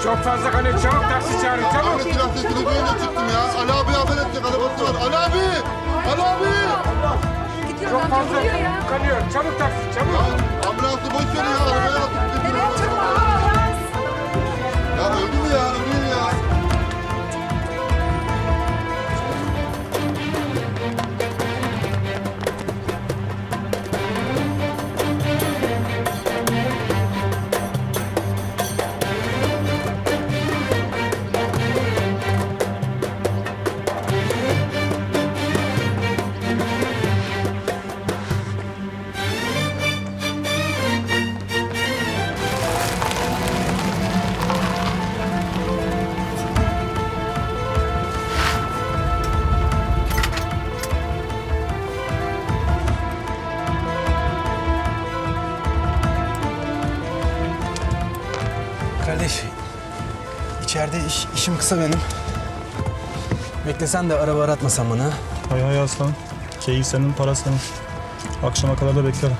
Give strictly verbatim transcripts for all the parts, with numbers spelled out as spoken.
Çok fazla kan et. Çabuk taksi çağırın. Çabuk. Ahmet biraz sesini duyunca çıktım ya. Ali abi haber edecek arabası var. Ali abi! Ali abi! Çok fazla kanıyor. Çabuk taksi. Çabuk. Ya ambulansı boş ver ya. Arabaya atıp gidiyor. Evet, çabuk ambulans. Ya öldü mü ya? Öleyim ya. Kardeş, içeride iş, işim kısa benim. Beklesen de araba aratmasan bana. Hay hay aslan. Keyif senin, para senin. Akşama kadar da beklerim.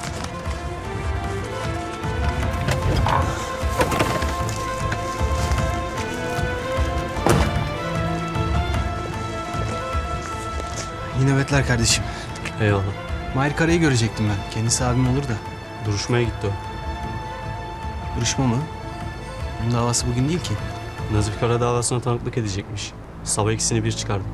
İyi nöbetler kardeşim. Eyvallah. Mahir Kara'yı görecektim ben. Kendisi abim olur da. Duruşmaya gitti o. Duruşma mı? Onun davası bugün değil ki. Nazif Kara davasına tanıklık edecekmiş. Sabah ikisini bir çıkardık.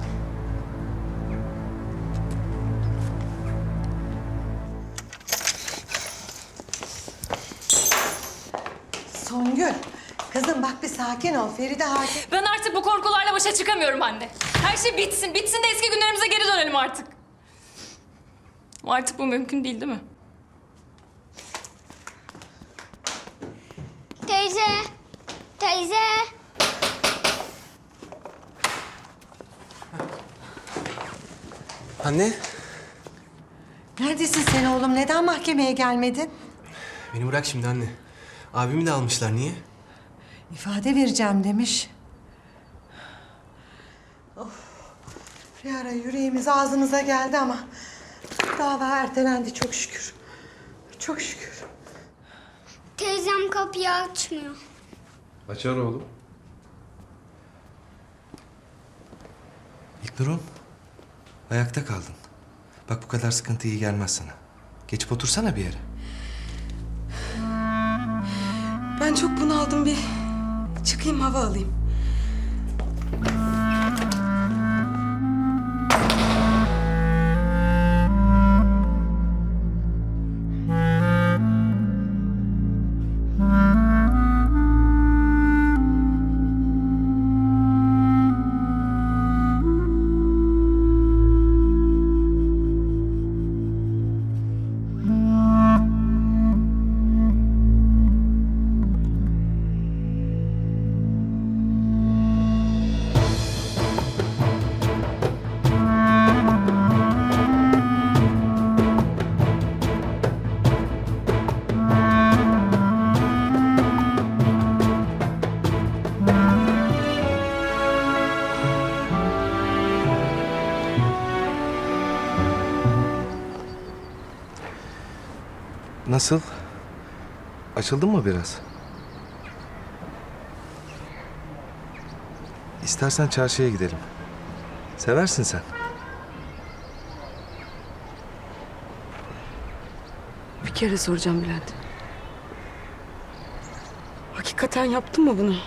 Songül, kızım bak bir sakin ol. Feride hakim. Ben artık bu korkularla başa çıkamıyorum anne. Her şey bitsin, bitsin de eski günlerimize geri dönelim artık. Ama artık bu mümkün değil, değil mi? Teyze, teyze. Anne, Neredesin sen oğlum? Neden mahkemeye gelmedin? beni bırak şimdi anne. Abimi de almışlar, niye? İfade vereceğim demiş. Of. Bir ara yüreğimiz ağzımıza geldi ama dava ertelendi çok şükür. Çok şükür. Teyzem kapıyı açmıyor. Açar oğlum. İlknur'um, ayakta kaldın. Bak bu kadar sıkıntı iyi gelmez sana. Geçip otursana bir yere. Ben çok bunaldım, bir çıkayım hava alayım. Nasıl? Açıldın mı biraz? İstersen çarşıya gidelim. Seversin sen. Bir kere soracağım Bülent. Hakikaten yaptın mı bunu?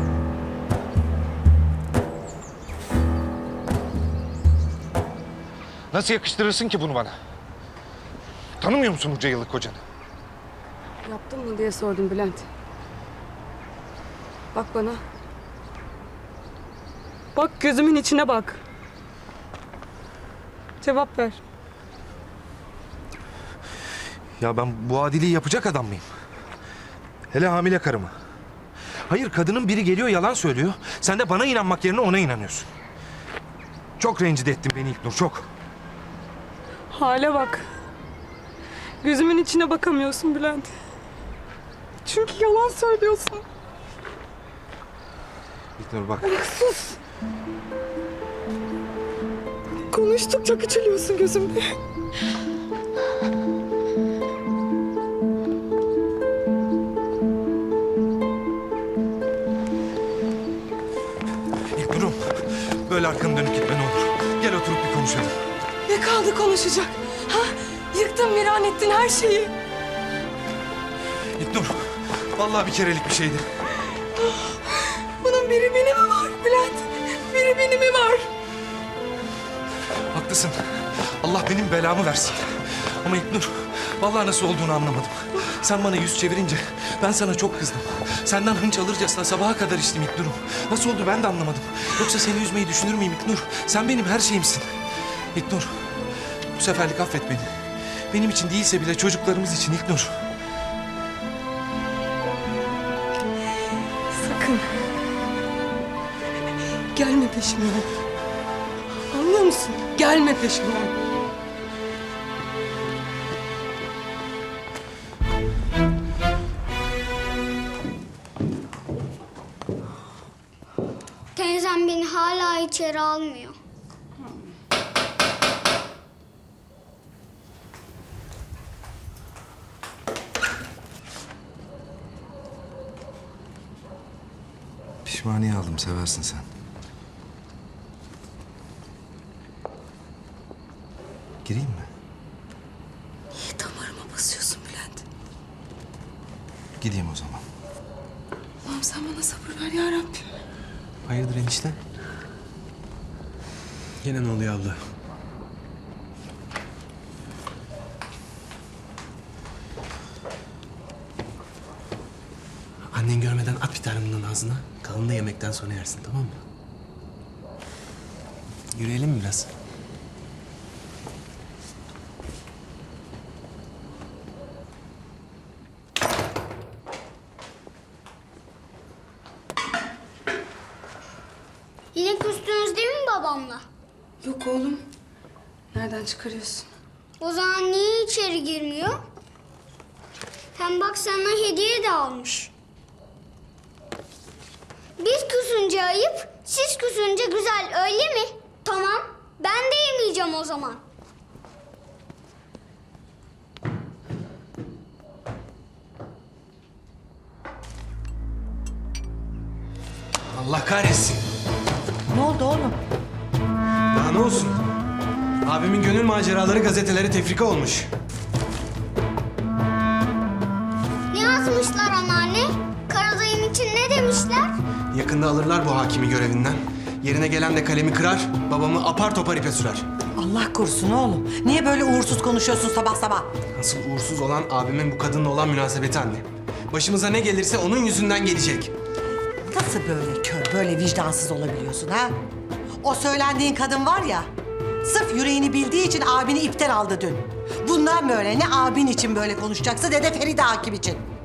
Nasıl yakıştırırsın ki bunu bana? Tanımıyor musun bunca yıllık kocanı? Yaptın mı diye sordum Bülent. Bak bana. Bak gözümün içine bak. Cevap ver. Ya ben bu adiliği yapacak adam mıyım? Hele hamile karıma. Hayır, kadının biri geliyor yalan söylüyor. Sen de bana inanmak yerine ona inanıyorsun. Çok rencide ettin beni İlknur, çok. Hale bak. Gözümün içine bakamıyorsun Bülent. Çünkü yalan söylüyorsun. İlknur bak. Sus. Konuştukça küçülüyorsun gözümde. böyle arkanı dönüp gitme ne olur. Gel oturup bir konuşalım. Ne kaldı konuşacak? Ha? Yıktın, viran ettin her şeyi. İlknur, vallahi bir kerelik bir şeydi. Bunun biri beni mi var Bülent? Biri beni mi var? Haklısın. Allah benim belamı versin. Ama İlknur, vallahi nasıl olduğunu anlamadım. Sen bana yüz çevirince ben sana çok kızdım. Senden hınç alırcasına sabaha kadar içtim İlknur'um. Nasıl oldu ben de anlamadım. Yoksa seni üzmeyi düşünür müyüm İlknur? Sen benim her şeyimsin. İlknur, bu seferlik affet beni. Benim için değilse bile çocuklarımız için İlknur. Sakın. Gelme peşimden. Anlıyor musun? Gelme peşimden. Teyzem beni hala içeri almıyor. Pişmaniye aldım, seversin sen. Gireyim mi? Niye damarıma basıyorsun Bülent? Gideyim o zaman. Allah'ım sen bana sabır ver ya Rabbim. Hayırdır enişte? Yine ne oluyor abla? Annen görmeden at bir tane bundan ağzına. Kalanını da yemekten sonra yersin, tamam mı? Yürüyelim mi biraz? Yine küstünüz değil mi babamla? Yok oğlum. Nereden çıkarıyorsun? O zaman niye içeri girmiyor? Hem bak sana hediye de almış. Biz küsünce ayıp, siz küsünce güzel öyle mi? Tamam, ben de yemeyeceğim o zaman. Allah kahretsin. Ne oldu oğlum? Daha ne olsun? Abimin gönül maceraları gazetelere tefrika olmuş. Ne yazmışlar anneanne? Karadayım için ne demişler? Yakında alırlar bu hakimi görevinden. Yerine gelen de kalemi kırar, babamı apar topar ipe sürer. Allah korusun oğlum. Niye böyle uğursuz konuşuyorsun sabah sabah? Asıl uğursuz olan abimin bu kadınla olan münasebeti anne. Başımıza ne gelirse onun yüzünden gelecek. Nasıl böyle kör, böyle vicdansız olabiliyorsun ha? O söylendiğin kadın var ya, sırf yüreğini bildiği için abini ipten aldı dün. Bundan böyle ne abin için böyle konuşacaksın ne de Feride Hakim için.